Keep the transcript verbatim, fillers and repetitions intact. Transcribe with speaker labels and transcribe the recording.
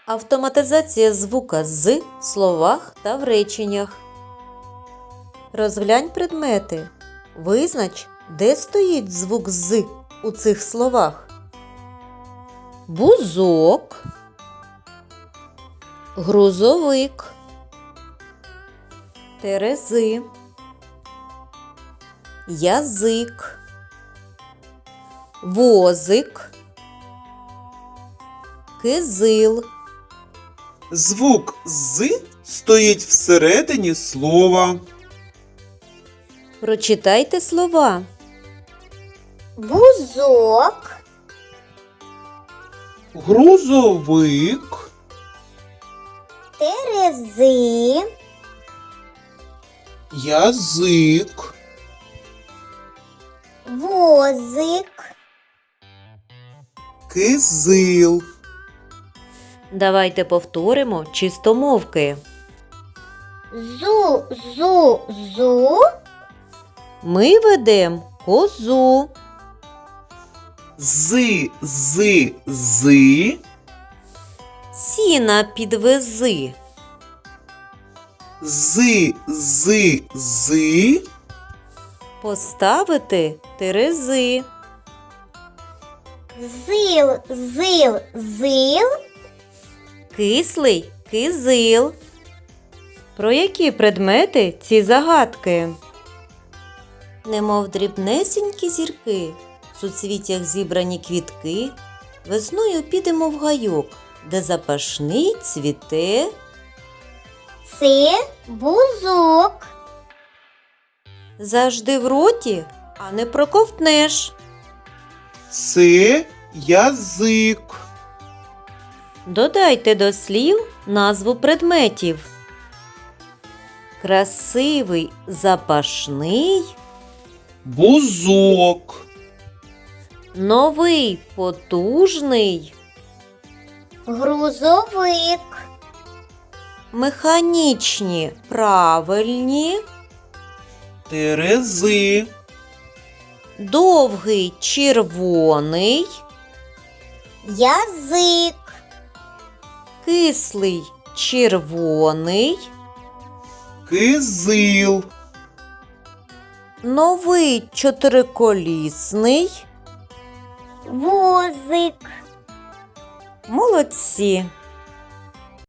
Speaker 1: Автоматизація звука «з» в словах та в реченнях. Розглянь предмети. Визнач, де стоїть звук «з» у цих словах. Бузок, грузовик, терези, язик, возик, кизил.
Speaker 2: Звук «з» стоїть всередині слова.
Speaker 1: Прочитайте слова.
Speaker 3: Бузок,
Speaker 2: Грузовик,
Speaker 3: терези,
Speaker 2: язик,
Speaker 3: возик,
Speaker 2: кизил.
Speaker 1: Давайте повторимо чистомовки.
Speaker 3: зу, зу, зу,
Speaker 1: Ми ведем козу.
Speaker 2: Зи, зи, зи,
Speaker 1: Сіна підвези.
Speaker 2: зи, зи, зи,
Speaker 1: Поставити терези.
Speaker 3: зил, зил, зил,
Speaker 1: Кислий кизил. Про які предмети ці загадки? Немов дрібнесенькі зірки, в суцвіттях зібрані квітки, весною підемо в гайок, де запашний цвіте.
Speaker 3: це бузок,
Speaker 1: Завжди в роті, а не проковтнеш.
Speaker 2: це язик.
Speaker 1: Додайте до слів назву предметів. Красивий запашний,
Speaker 2: Бузок,
Speaker 1: новий потужний,
Speaker 3: грузовик,
Speaker 1: механічні правильні,
Speaker 2: терези,
Speaker 1: довгий червоний,
Speaker 3: язик,
Speaker 1: кислий червоний,
Speaker 2: кизил.
Speaker 1: новий чотириколісний.
Speaker 3: возик.
Speaker 1: Молодці!